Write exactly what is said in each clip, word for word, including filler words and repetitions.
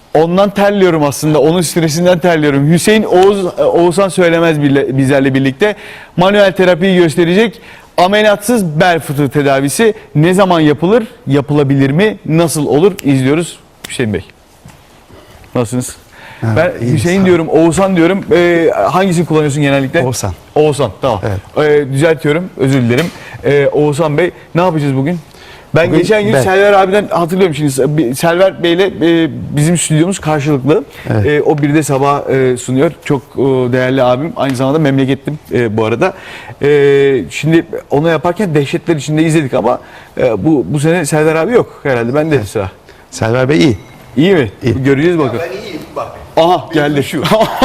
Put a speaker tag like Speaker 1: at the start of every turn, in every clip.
Speaker 1: Ondan terliyorum aslında. Onun stresinden terliyorum. Hüseyin Oğuz, Oğuzhan Söylemez bizlerle birlikte manuel terapiyi gösterecek. Ameliyatsız bel fıtığı tedavisi ne zaman yapılır? Yapılabilir mi? Nasıl olur? İzliyoruz. Hüseyin Bey. Nasılsınız?
Speaker 2: Ha,
Speaker 1: ben
Speaker 2: iyiyim,
Speaker 1: Hüseyin diyorum, Oğuzhan diyorum. Ee, hangisini kullanıyorsun genellikle?
Speaker 2: Oğuzhan.
Speaker 1: Oğuzhan, tamam.
Speaker 2: Evet.
Speaker 1: Ee, düzeltiyorum, özür dilerim. Ee, Oğuzhan Bey, ne yapacağız bugün? Ben
Speaker 2: Bugün
Speaker 1: geçen gün
Speaker 2: ben.
Speaker 1: Selver abiden hatırlıyorum şimdi. Selver Bey'le e, bizim stüdyomuz karşılıklı.
Speaker 2: Evet.
Speaker 1: E, o bir de sabah e, sunuyor. Çok e, değerli abim. Aynı zamanda memleketlim e, bu arada. E, şimdi onu yaparken dehşetler içinde izledik ama e, bu bu sene Selver abi yok herhalde. Ben de evet. Sıra.
Speaker 2: Selver Bey iyi.
Speaker 1: İyi mi?
Speaker 2: İyi.
Speaker 1: Göreceğiz bakalım.
Speaker 3: Ben iyiyim bak.
Speaker 1: Aha geldi şu.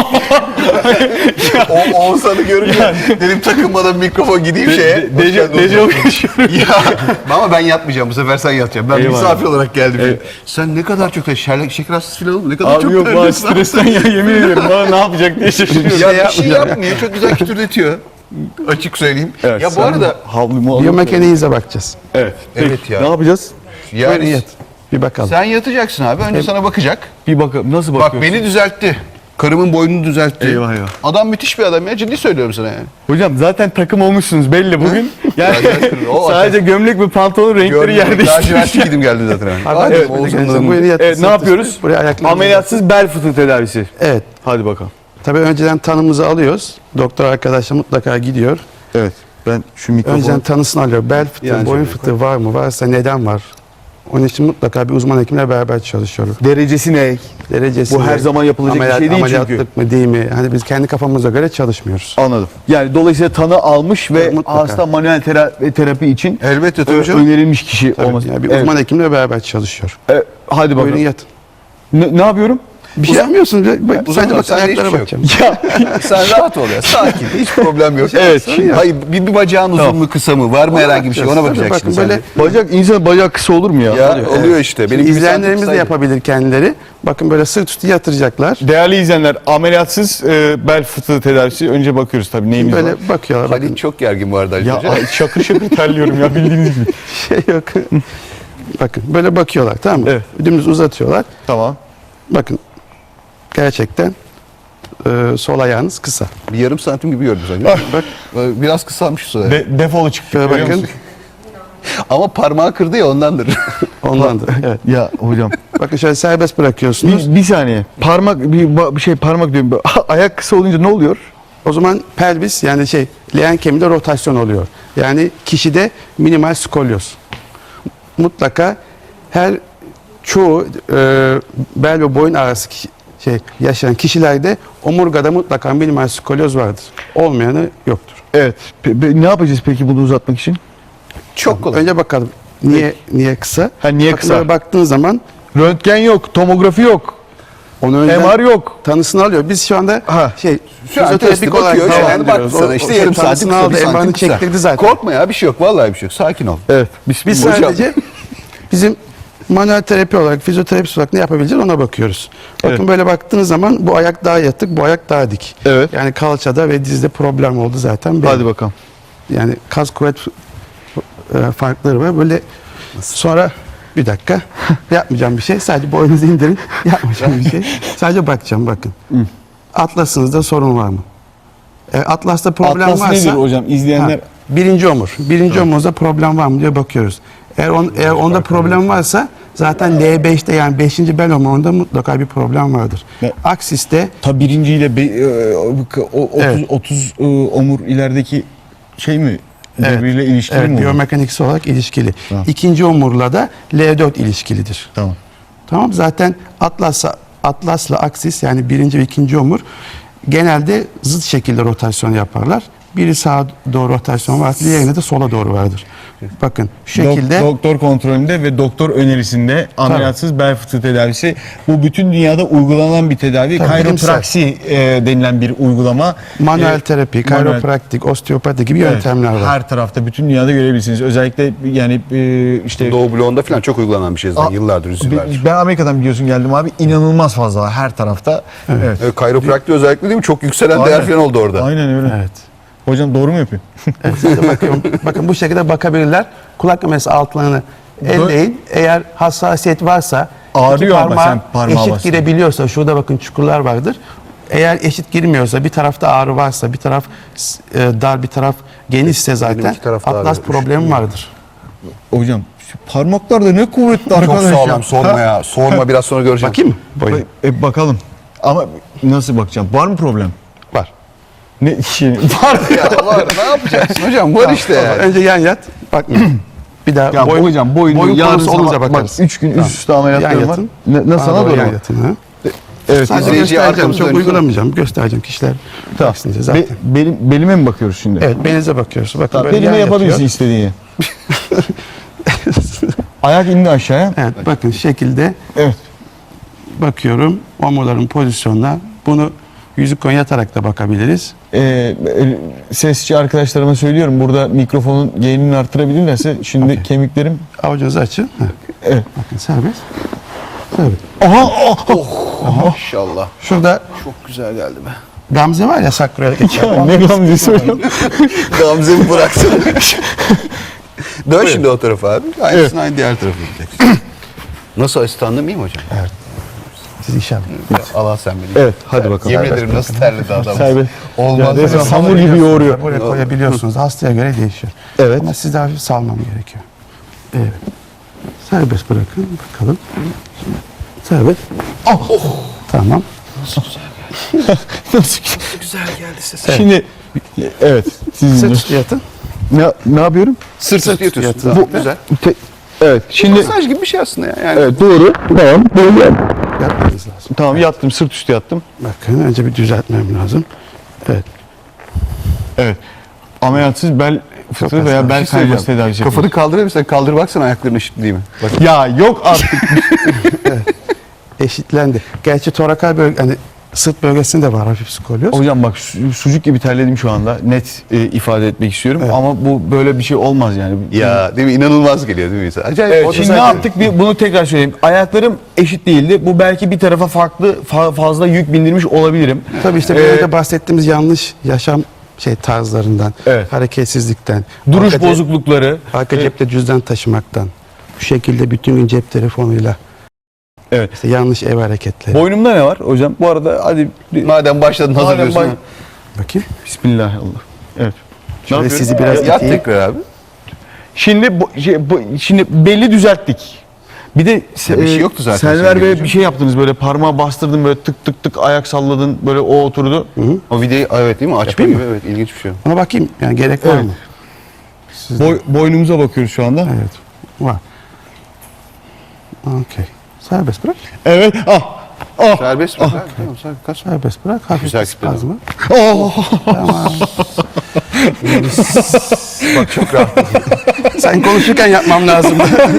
Speaker 3: O Oğuzhan'ı görünce dedim takılmadan mikrofon gideyim şeye.
Speaker 1: Dejavu yaşıyorum.
Speaker 3: Ya ama ben yatmayacağım bu sefer sen yatacaksın. Ben
Speaker 1: Eyvallah.
Speaker 3: misafir olarak geldim.
Speaker 1: Evet.
Speaker 3: Sen ne kadar çok şeker, şeker hastası falan oldun. Ne kadar
Speaker 1: Abi
Speaker 3: çok
Speaker 1: yok bana
Speaker 3: terliyorsun.
Speaker 1: stresten ya yemin ediyorum. Bana ne yapacak diye şaşırıyorum.
Speaker 3: Ya bir şey yapmıyor. Çok güzel kütürdetiyor. Açık söyleyeyim.
Speaker 1: Evet,
Speaker 3: ya bu
Speaker 1: sen
Speaker 3: arada
Speaker 1: havlumu alıp-
Speaker 2: Biyomekaniğinize bakacağız.
Speaker 1: Evet.
Speaker 3: Evet
Speaker 1: Peki,
Speaker 3: ya.
Speaker 1: Ne yapacağız?
Speaker 2: Buyurun
Speaker 3: yani
Speaker 2: yat. Bir bakalım.
Speaker 3: sen yatacaksın abi. Önce sana bakacak.
Speaker 1: Bir bakalım nasıl
Speaker 3: Bak
Speaker 1: bakıyorsun?
Speaker 3: beni düzeltti. Karımın boynunu düzeltti.
Speaker 1: Eyvah eyvah.
Speaker 3: Adam müthiş bir adam ya. Ciddi söylüyorum sana yani.
Speaker 1: Hocam zaten takım olmuşsunuz belli bugün. Yani
Speaker 3: O
Speaker 1: sadece gömlek ve pantolon renkleri
Speaker 3: Gördüm.
Speaker 1: yer değiştirmiş.
Speaker 3: Lacivertli giydim geldim zaten. Yani.
Speaker 2: Abi,
Speaker 3: Hadi
Speaker 2: evet,
Speaker 3: Oğuzhan'ın
Speaker 2: evet,
Speaker 3: adamı.
Speaker 2: buyurun yatın.
Speaker 1: Evet, ne yapıyoruz?
Speaker 2: Buraya ayaklarınızı-
Speaker 1: Ameliyatsız bel fıtığı tedavisi.
Speaker 2: Evet.
Speaker 1: Hadi bakalım.
Speaker 2: Tabii önceden tanımızı alıyoruz. Doktor arkadaşla mutlaka gidiyor.
Speaker 1: Evet. Ben şu mikrofonu...
Speaker 2: Önceden tanısını alıyor. Bel fıtığı,
Speaker 3: Yani
Speaker 2: boyun
Speaker 3: şöyle
Speaker 2: fıtığı var mı? Varsa neden var? Onun için mutlaka bir uzman hekimle beraber çalışıyoruz.
Speaker 1: Derecesi ne?
Speaker 2: Derecesi
Speaker 1: Bu her
Speaker 2: ne?
Speaker 1: zaman yapılacak bir
Speaker 2: Ameliyat-
Speaker 1: şey değil çünkü.
Speaker 2: Ameliyatlık mı değil mi? Hani biz kendi kafamıza göre çalışmıyoruz.
Speaker 1: Anladım. Yani dolayısıyla tanı almış ve
Speaker 2: Mutlaka.
Speaker 1: hasta manuel tera- terapi için
Speaker 3: Elbette tabii
Speaker 1: ö-
Speaker 3: canım.
Speaker 1: önerilmiş kişi
Speaker 2: Tabii,
Speaker 1: olması.
Speaker 2: yani bir
Speaker 1: Evet.
Speaker 2: uzman hekimle beraber çalışıyor.
Speaker 1: E, hadi
Speaker 2: Buyurun
Speaker 1: bakalım.
Speaker 2: yatın.
Speaker 1: Ne, ne yapıyorsun?
Speaker 2: Bir şey yapmıyorsunuz. Bak,
Speaker 3: Uzan
Speaker 2: sadece
Speaker 3: bak,
Speaker 2: bak,
Speaker 3: sende
Speaker 2: ayaklara
Speaker 3: hiçbir şey
Speaker 2: bakacağım.
Speaker 1: Ya
Speaker 3: Sen rahat ol ya. Sakin. Hiç problem yok.
Speaker 1: Evet,
Speaker 3: Şimdi, hayır bir, bir bacağın uzun
Speaker 1: Tamam.
Speaker 3: mu kısa mı? Var mı herhangi bir şey? Ona
Speaker 2: Tabii,
Speaker 3: bakacaksın
Speaker 2: bakın
Speaker 3: sen.
Speaker 2: böyle
Speaker 1: bacak insan bacak kısa olur mu ya?
Speaker 3: Ya
Speaker 2: oluyor,
Speaker 3: oluyor işte. Benim gibi
Speaker 2: İzleyenlerimiz de
Speaker 3: santim
Speaker 2: yapabilir kendileri. Bakın böyle sırt üstü yatıracaklar.
Speaker 1: Değerli izleyenler, ameliyatsız e, bel fıtığı tedavisi. Önce bakıyoruz tabii neyimiz
Speaker 2: Böyle
Speaker 1: var.
Speaker 2: bakıyorlar.
Speaker 3: saydı.
Speaker 2: Bakın
Speaker 3: Halit çok gergin bu arada.
Speaker 1: Ya
Speaker 3: Hoca.
Speaker 1: ay, şakır şakır terliyorum ya bildiğiniz gibi.
Speaker 2: şey yok. Bakın böyle bakıyorlar, tamam mı?
Speaker 1: Evet.
Speaker 2: Dümdüz uzatıyorlar.
Speaker 1: Tamam.
Speaker 2: Bakın gerçekten e, sol ayağınız kısa.
Speaker 3: Bir yarım santim gibi gördüm sanki.
Speaker 2: Bak
Speaker 3: Biraz kısalmış şu
Speaker 1: De, defolu çıktı.
Speaker 2: şöyle
Speaker 1: görüyor
Speaker 2: bakın.
Speaker 1: musun?
Speaker 3: Ama parmağı kırdı ya ondandır.
Speaker 2: Ondandır. Evet.
Speaker 1: Ya hocam.
Speaker 2: Bakın şöyle serbest bırakıyorsunuz.
Speaker 1: Bir, bir saniye. Parmak bir, ba- bir şey parmak diyorum. Ayak kısa olunca ne oluyor?
Speaker 2: O zaman pelvis yani şey leğen kemiğinde rotasyon oluyor. Yani kişide minimal skolyoz. Mutlaka her çoğu e, bel ve boyun arası kişi- şey yaşayan kişilerde omurgada mutlaka minimal skolyoz vardır. Olmayanı yoktur.
Speaker 1: Evet. Pe- pe- ne yapacağız peki bunu uzatmak için?
Speaker 3: Çok kolay.
Speaker 2: Önce bakalım niye niye kısa?
Speaker 1: Ha, niye
Speaker 2: Bakın
Speaker 1: kısa?
Speaker 2: böyle baktığın zaman
Speaker 1: Röntgen yok, tomografi yok,
Speaker 2: onu önden
Speaker 1: M R yok.
Speaker 2: tanısını alıyor. Biz şu anda
Speaker 1: Ha.
Speaker 2: şey
Speaker 3: Şu an testi bakıyor.
Speaker 2: devam
Speaker 3: Yani baktı
Speaker 2: ediyoruz.
Speaker 3: sana
Speaker 2: O-
Speaker 3: işte
Speaker 2: o
Speaker 3: yarım
Speaker 2: tanısını
Speaker 3: santim kısa,
Speaker 2: aldı,
Speaker 3: bir santim
Speaker 2: M R'ını
Speaker 3: kısa.
Speaker 2: çektirdi zaten.
Speaker 3: Korkma ya bir şey yok. Vallahi bir şey yok. Sakin ol.
Speaker 1: Evet. Biz,
Speaker 2: Biz
Speaker 3: Hocam.
Speaker 2: sadece bizim manuel terapi olarak, fizyoterapist olarak ne yapabileceğiz ona bakıyoruz. Bakın
Speaker 1: Evet.
Speaker 2: böyle baktığınız zaman bu ayak daha yatık, bu ayak daha dik.
Speaker 1: Evet.
Speaker 2: Yani kalçada ve dizde problem oldu zaten. belli.
Speaker 1: Hadi bakalım.
Speaker 2: Yani kas kuvvet e, farkları var. Böyle sonra bir dakika yapmayacağım bir şey. Sadece boynunuzu indirin. Yapmayacağım bir şey. Sadece bakacağım bakın. Atlasınızda sorun var mı? E, Atlas'ta problem
Speaker 1: Atlas
Speaker 2: varsa
Speaker 1: nedir hocam? İzleyenler...
Speaker 2: Ha, birinci omur. Birinci omurda problem var mı diye bakıyoruz. Eğer, on, eğer onda problem varsa zaten L beşte yani beşinci bel omurunda mutlaka bir problem vardır.
Speaker 1: Ne?
Speaker 2: Aksiste
Speaker 1: Ta birinciyle be, e, o, otuz,
Speaker 2: Evet.
Speaker 1: otuz e, omur ilerideki şey mi?
Speaker 2: Evet.
Speaker 1: Birbiriyle ilişkili
Speaker 2: evet,
Speaker 1: mi olur?
Speaker 2: biyomekaniksel olarak ilişkili.
Speaker 1: Tamam.
Speaker 2: İkinci omurla da L dört ilişkilidir.
Speaker 1: Tamam.
Speaker 2: Tamam, zaten atlasla atlasla aksis yani birinci ve ikinci omur genelde zıt şekilde rotasyon yaparlar. Biri sağa doğru rotasyon var, diğerine de sola doğru vardır. Bakın şu
Speaker 1: Dok-
Speaker 2: şekilde
Speaker 1: doktor kontrolünde ve doktor önerisinde ameliyatsız bel fıtığı tedavisi. Bu bütün dünyada uygulanan bir tedavi.
Speaker 2: Tabii,
Speaker 1: Kayropraksi e, denilen bir uygulama.
Speaker 2: manuel
Speaker 1: E,
Speaker 2: terapi,
Speaker 1: manuel-
Speaker 2: kayropraktik, osteopati gibi
Speaker 1: Evet,
Speaker 2: yöntemler var.
Speaker 1: Her tarafta bütün dünyada görebilirsiniz. Özellikle yani e, işte
Speaker 3: Doğu bloğunda falan çok uygulanan bir şey zaten.
Speaker 1: Aa,
Speaker 3: Yıllardır, yüzyıllardır.
Speaker 1: ben Amerika'dan biliyorsun geldim abi. İnanılmaz fazla her tarafta. Evet.
Speaker 3: Evet, kayropraktik özellikle değil mi? Çok yükselen değer
Speaker 1: Aynen.
Speaker 3: falan oldu orada.
Speaker 1: Aynen öyle.
Speaker 2: Evet.
Speaker 1: Hocam doğru mu yapıyorum?
Speaker 2: Evet, siz de bakın, bakın bu şekilde bakabilirler. Kulak memesi altlarını elleyin. Eğer hassasiyet varsa,
Speaker 1: Ağrıyor
Speaker 2: iki
Speaker 1: ama
Speaker 2: parmağı
Speaker 1: sen parmağa
Speaker 2: eşit
Speaker 1: bastın.
Speaker 2: girebiliyorsa, şurada bakın çukurlar vardır. Eğer eşit girmiyorsa, bir tarafta ağrı varsa, bir taraf e, dar, bir taraf genişse zaten
Speaker 3: iki taraf da
Speaker 2: atlas
Speaker 3: ağrıyor.
Speaker 2: problemi vardır.
Speaker 1: Hocam şu parmaklar da ne kuvvetli
Speaker 3: Çok
Speaker 1: arkadaş
Speaker 3: sağlam
Speaker 1: ya.
Speaker 3: sorma ya. Sorma biraz sonra göreceğim.
Speaker 2: Bakayım mı? Boyun.
Speaker 1: E, bakalım. Ama nasıl bakacağım? Var mı problem?
Speaker 2: Var.
Speaker 1: Ne şey var
Speaker 3: Ya var ne yapacaksın hocam? Var işte ya.
Speaker 2: Önce yan yat. Bak. Bir daha
Speaker 1: Ya
Speaker 2: boyun,
Speaker 1: hocam boyun,
Speaker 2: boyun
Speaker 1: yarın
Speaker 2: konusu olunca
Speaker 1: sabah-
Speaker 2: bakarız.
Speaker 1: Bak üç gün
Speaker 2: Tamam.
Speaker 1: üst üste
Speaker 2: Yan
Speaker 1: ameliyatlarım var.
Speaker 2: yatın.
Speaker 1: Ne, ne
Speaker 2: Bana
Speaker 1: sana
Speaker 2: doğru
Speaker 1: doğru
Speaker 2: yan
Speaker 1: mu?
Speaker 2: yatın, ha?
Speaker 1: Evet.
Speaker 2: Sadece
Speaker 3: İzleyiciye
Speaker 2: göstereceğim.
Speaker 3: arkamızı
Speaker 2: Çok
Speaker 3: dönün.
Speaker 2: uygulamayacağım. Göstereceğim. Kişiler
Speaker 1: Tamam.
Speaker 2: baksın diye zaten.
Speaker 1: Be, belim, belime mi bakıyoruz şimdi?
Speaker 2: Evet, belinize bakıyorsun. Bakın
Speaker 1: Tamam,
Speaker 2: böyle
Speaker 1: belime
Speaker 2: yan
Speaker 1: yapabilirsin
Speaker 2: yatıyor.
Speaker 1: istediğini. Ayak indi aşağıya.
Speaker 2: Evet, bakın şekilde
Speaker 1: Evet.
Speaker 2: bakıyorum. Omurların pozisyonuna. Bunu yüzük koyun yatarak da bakabiliriz.
Speaker 1: Ee, e, sesçi arkadaşlarıma söylüyorum. Burada mikrofonun gain'ini arttırabilirlerse şimdi kemiklerim...
Speaker 2: Avucunuzu açın. Heh.
Speaker 1: Evet.
Speaker 2: Bakın serbest. Serbest.
Speaker 1: Aha! Oh!
Speaker 3: Maşallah.
Speaker 2: Şurada
Speaker 3: Çok güzel geldi be.
Speaker 2: Gamze var ya sakroya geçer.
Speaker 1: Ya ne gamzesi hocam?
Speaker 3: Gamze'mi bıraksana. Dön şimdi o tarafa abi. Aynısını aynı diğer tarafa gideceksin. Nasıl asistanlığım iyi mi hocam?
Speaker 2: Evet. Siz inşallah.
Speaker 3: Ya Allah sen beni.
Speaker 1: Evet, hadi bakalım.
Speaker 3: Yemin ederim nasıl terledi adam.
Speaker 1: Serbest.
Speaker 3: Olmaz.
Speaker 1: Ya,
Speaker 3: hocam.
Speaker 1: hamur gibi yoğuruyor.
Speaker 2: Buraya koyabiliyorsunuz. Hastaya göre değişiyor.
Speaker 1: Evet.
Speaker 2: Ama sizde hafif salmam gerekiyor. Evet. Serbest bırakın. Bakalım. Serbest. Oh. Tamam.
Speaker 1: Nasıl?
Speaker 3: Güzel geldi ses.
Speaker 1: Şimdi evet. Siz
Speaker 2: Sırt üstü yatın.
Speaker 1: ne, ne yapıyorum?
Speaker 3: Sırt üstü yatıyorsun.
Speaker 2: yatın.
Speaker 3: Bu güzel.
Speaker 1: Te- evet. Şimdi
Speaker 3: Masaj gibi bir şey aslında ya. Yani.
Speaker 1: evet doğru. Tamam. Böyle yap.
Speaker 2: Yatmanız lazım.
Speaker 1: Tamam yattım. Sırt üstü yattım.
Speaker 2: Bakın önce bir düzeltmem lazım. Evet.
Speaker 1: Evet. Ameliyatsız bel fıtığı veya bel
Speaker 3: Bir şey
Speaker 1: kayması
Speaker 3: söyleyeceğim.
Speaker 1: tedavisi
Speaker 3: Kafanı
Speaker 1: yapıyoruz.
Speaker 3: kaldırır mısın? Kaldır baksana ayakların eşit değil mi? Bak.
Speaker 1: Ya yok artık.
Speaker 2: Eşitlendi. Gerçi torakal bölge, hani sırt bölgesinde de var hafif skolyoz.
Speaker 1: Hocam bak su- sucuk gibi terledim şu anda. Net e, ifade etmek istiyorum.
Speaker 2: Evet.
Speaker 1: Ama bu böyle bir şey olmaz yani.
Speaker 3: Ya değil mi? İnanılmaz geliyor değil mi insan? Acayip.
Speaker 1: Evet,
Speaker 3: O da
Speaker 1: şimdi ne
Speaker 3: zaten-
Speaker 1: yaptık? Bir, bunu tekrar söyleyeyim. Ayaklarım eşit değildi. Bu belki bir tarafa farklı fa- fazla yük bindirmiş olabilirim.
Speaker 2: Tabii işte
Speaker 1: Ee,
Speaker 2: biraz önce bahsettiğimiz yanlış yaşam şey tarzlarından,
Speaker 1: Evet.
Speaker 2: hareketsizlikten,
Speaker 1: Duruş
Speaker 2: arka,
Speaker 1: bozuklukları.
Speaker 2: arka
Speaker 1: e,
Speaker 2: cepte cüzdan taşımaktan, bu şekilde bütün gün cep telefonuyla,
Speaker 1: Evet.
Speaker 2: işte yanlış ev hareketleri.
Speaker 1: Boynumda ne var hocam? Bu arada hadi bir-
Speaker 3: Madem başladın
Speaker 1: Madem
Speaker 3: hazırlıyorsun.
Speaker 1: bay-
Speaker 3: ha.
Speaker 2: Bakayım.
Speaker 1: Bismillah Allah. Evet. Ne
Speaker 2: Şöyle
Speaker 1: yapıyorum?
Speaker 2: sizi biraz
Speaker 3: Yat
Speaker 2: iteyim.
Speaker 3: tekrar abi.
Speaker 1: Şimdi bu, şey, bu- şimdi belli düzelttik. Bir de
Speaker 3: Ya bir şey yoktu zaten
Speaker 1: Selver
Speaker 3: senin
Speaker 1: Bey
Speaker 3: gibi
Speaker 1: bir şey yaptınız böyle parmağı bastırdın böyle tık tık tık ayak salladın böyle o oturdu.
Speaker 3: O videoyu evet değil mi? Açma
Speaker 2: Yapayım
Speaker 3: gibi evet ilginç bir şey.
Speaker 2: Ona bakayım. Yani gerek var
Speaker 1: Evet.
Speaker 2: mı?
Speaker 1: Boy, boynumuza bakıyoruz şu anda.
Speaker 2: Evet. Var. Okey. Serbest bırak.
Speaker 1: Evet. Ah. Ah.
Speaker 3: Serbest mi? Tamam, tamam, kaç.
Speaker 2: Serbest bırak. Hafif
Speaker 3: Güzel
Speaker 2: bir
Speaker 3: kitleme.
Speaker 2: spazmı.
Speaker 1: Oh.
Speaker 3: Bak çok rahat.
Speaker 2: Sen konuşurken yapmam lazım.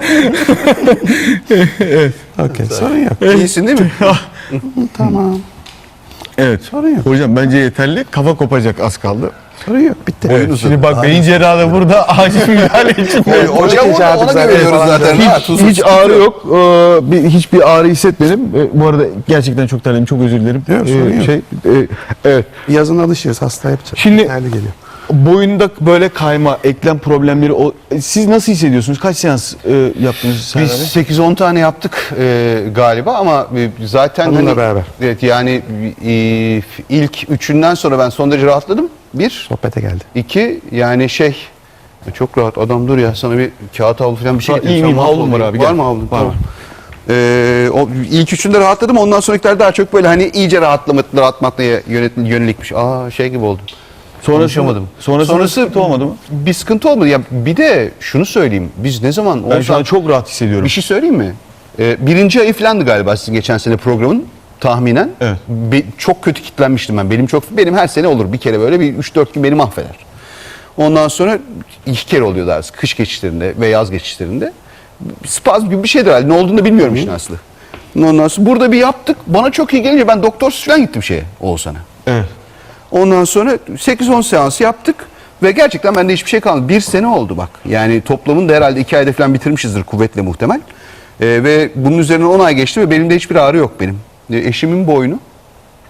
Speaker 2: Okey. Sorun yok.
Speaker 3: İyisin değil mi?
Speaker 2: Tamam.
Speaker 1: Evet.
Speaker 2: Sorun yok.
Speaker 1: Hocam bence yeterli. Kafa kopacak az kaldı.
Speaker 2: Sorun yok. Bitti.
Speaker 1: Evet, şimdi bak beyin cerrahı burada acil müdahale için.
Speaker 3: Hocam
Speaker 2: Hiç
Speaker 3: ona,
Speaker 2: ağrı
Speaker 3: ona
Speaker 2: zaten
Speaker 3: güveniyoruz
Speaker 2: falan
Speaker 3: zaten.
Speaker 1: Hiç,
Speaker 3: Ha, tuzlu
Speaker 1: hiç ağrı yok. Ee, bir, hiçbir ağrı hissetmedim. Ee, bu arada gerçekten çok terledim. Çok özür dilerim.
Speaker 2: Yok, sorun yok.
Speaker 1: şey, e, evet.
Speaker 2: Yazın alışıyoruz. Hasta yapacağız.
Speaker 1: Şimdi-
Speaker 2: Yeterli geliyor.
Speaker 1: Boyunda böyle kayma, eklem problemleri. O, e, siz nasıl hissediyorsunuz? Kaç seans e, yaptınız Selver Bey?
Speaker 3: Biz sekiz on tane yaptık e, galiba ama e, zaten
Speaker 2: Hanımla
Speaker 3: hani,
Speaker 2: beraber.
Speaker 3: evet yani e, ilk üçünden sonra ben son derece rahatladım. Bir,
Speaker 2: Sohbete geldi.
Speaker 3: iki yani şey çok rahat adam dur ya sana bir kağıt havlu falan bir şey
Speaker 1: Ha,
Speaker 3: getireyim.
Speaker 1: iyiyim,
Speaker 3: Sen
Speaker 1: havlum var
Speaker 3: mahvoldun.
Speaker 1: abi,
Speaker 3: Var
Speaker 1: gel.
Speaker 3: mı havlun?
Speaker 1: Var,
Speaker 3: Tamam.
Speaker 1: var.
Speaker 3: Ee, o ilk üçünde rahatladım. Ondan sonrakiler daha çok böyle hani iyice rahatlama, rahatlatmaya yönet- yönelikmiş. Aa şey gibi oldu.
Speaker 1: Sonrası,
Speaker 3: Konuşamadım.
Speaker 1: Sonrası,
Speaker 3: Sonrası
Speaker 1: sıkıntı olmadı mı?
Speaker 3: Bir sıkıntı olmadı. Ya bir de şunu söyleyeyim. Biz ne zaman
Speaker 1: Ben şu
Speaker 3: Oğuzhan-
Speaker 1: an çok rahat hissediyorum.
Speaker 3: bir şey söyleyeyim mi? Ee, birinci ayı falandı galiba sizin geçen sene programın tahminen.
Speaker 1: Evet.
Speaker 3: Be- çok kötü kitlenmiştim ben. Benim çok benim her sene olur bir kere böyle bir üç dört gün beni mahveder. Ondan sonra iki kere oluyor daha sık. Kış geçişlerinde ve yaz geçişlerinde. Spazm gibi bir şeydir herhalde. Ne olduğunu da bilmiyorum işin aslı. Ondan sonra burada bir yaptık. Bana çok iyi gelince ben doktorsuz falan gittim şeye Oğuzhan'a.
Speaker 1: Evet.
Speaker 3: Ondan sonra sekiz on seans yaptık ve gerçekten bende hiçbir şey kalmadı. Bir sene oldu bak. Yani toplamını da herhalde iki ayda falan bitirmişizdir kuvvetle muhtemel. Ee, ve bunun üzerine on ay geçti ve benim de hiçbir ağrı yok benim. Ee, eşimin boynu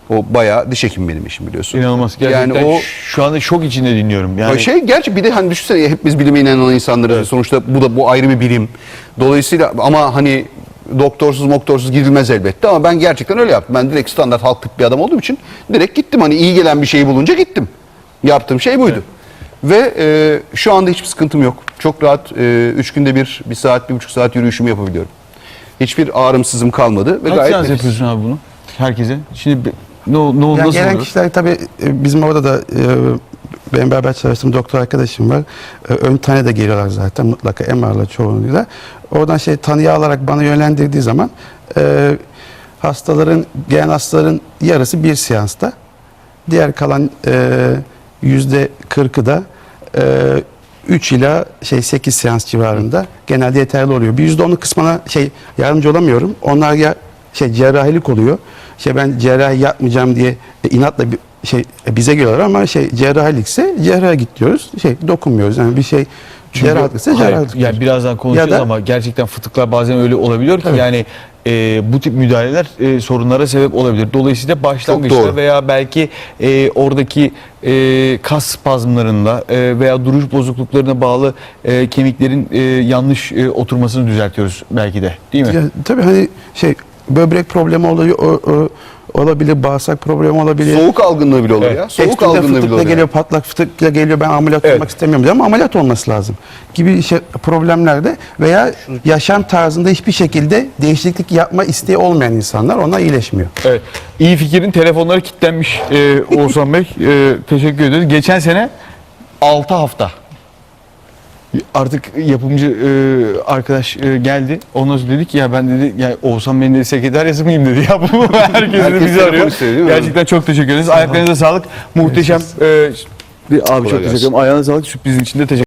Speaker 3: O bayağı diş hekimi benim işim biliyorsun.
Speaker 1: İnanılmaz. Gerçekten
Speaker 3: Yani o
Speaker 1: şu anda şok içinde dinliyorum. Yani
Speaker 3: şey gerçi bir de hani düşünsene hepimiz bilime inanan insanlarız.
Speaker 1: Evet.
Speaker 3: Sonuçta bu da bu ayrı bir bilim. Dolayısıyla ama hani doktorsuz moktorsuz girilmez elbette ama ben gerçekten öyle yaptım. Ben direkt standart halk tıp bir adam olduğum için direkt gittim. Hani iyi gelen bir şeyi bulunca gittim. Yaptığım şey buydu. Ve e, şu anda hiçbir sıkıntım yok. Çok rahat e, üç günde bir, bir saat, bir buçuk saat yürüyüşümü yapabiliyorum. Hiçbir ağrımsızım kalmadı. Ve
Speaker 1: kaç
Speaker 3: gayet
Speaker 1: seans
Speaker 3: nefis.
Speaker 1: yapıyorsun abi bunu? Herkese. Şimdi be- ne, ne,
Speaker 2: Yani
Speaker 1: nasıl
Speaker 2: gelen
Speaker 1: olur?
Speaker 2: kişiler tabii e, bizim orada da e, benim beraber çalıştığım doktor arkadaşım var. E, ön tane de geliyorlar zaten mutlaka M R'la çoğunluğuyla. Oradan şey tanıyı alarak bana yönlendirdiği zaman e, hastaların, gelen hastaların yarısı bir seansta. Diğer kalan e, yüzde kırkı da e, üç ila şey sekiz seans civarında genelde yeterli oluyor. Bir yüzde onu kısmına şey yardımcı olamıyorum. Onlar ya şey cerrahilik oluyor. Şey ben cerrahi yapmayacağım diye e, inatla bir şey e, bize geliyorlar ama şey cerrahilikse cerraha git diyoruz. Şey dokunmuyoruz. Yani bir şey cerrahilikse
Speaker 1: Hayır,
Speaker 2: cerrahilik.
Speaker 1: yani birazdan konuşacağız
Speaker 2: Ya da-
Speaker 1: ama gerçekten fıtıklar bazen öyle olabiliyor ki
Speaker 2: Tabii.
Speaker 1: yani e, bu tip müdahaleler e, sorunlara sebep olabilir. Dolayısıyla başlangıçta
Speaker 3: doğru.
Speaker 1: veya belki e, oradaki e, kas spazmlarında e, veya duruş bozukluklarına bağlı e, kemiklerin e, yanlış e, oturmasını düzeltiyoruz belki de, değil mi?
Speaker 2: Ya, tabii hani şey böbrek problemi oluyor, o, o, olabilir, bağırsak problemi olabilir.
Speaker 3: Soğuk algınlığı bile olur
Speaker 1: Evet.
Speaker 3: ya. Soğuk
Speaker 2: Ekstremde
Speaker 3: algınlığı bile
Speaker 2: fıtıkla
Speaker 3: olur.
Speaker 2: geliyor,
Speaker 3: yani.
Speaker 2: patlak fıtıkla geliyor, ben ameliyat
Speaker 1: Evet.
Speaker 2: olmak istemiyorum diyor ama ameliyat olması lazım gibi şey, problemlerde veya yaşam tarzında hiçbir şekilde değişiklik yapma isteği olmayan insanlar ona iyileşmiyor.
Speaker 1: Evet. İyi Fikir'in telefonları kilitlenmiş e, Oğuzhan Bey. E, teşekkür ederiz. Geçen sene altı hafta. Artık yapımcı e, arkadaş e, geldi. Ondan sonra dedi ki ya ben dedi ya Oğuzhan Bey'in dedi sekreteryası mıyım dedi. Ya bu herkes de
Speaker 3: Herkes
Speaker 1: bizi
Speaker 3: telefon
Speaker 1: arıyor.
Speaker 3: istiyor, değil mi?
Speaker 1: Gerçekten çok teşekkür ederiz. Ayaklarınıza sağlık. Muhteşem. E, abi çok teşekkür
Speaker 3: gelsin.
Speaker 1: ederim. Ayağına sağlık. Sürprizin için de teşekkür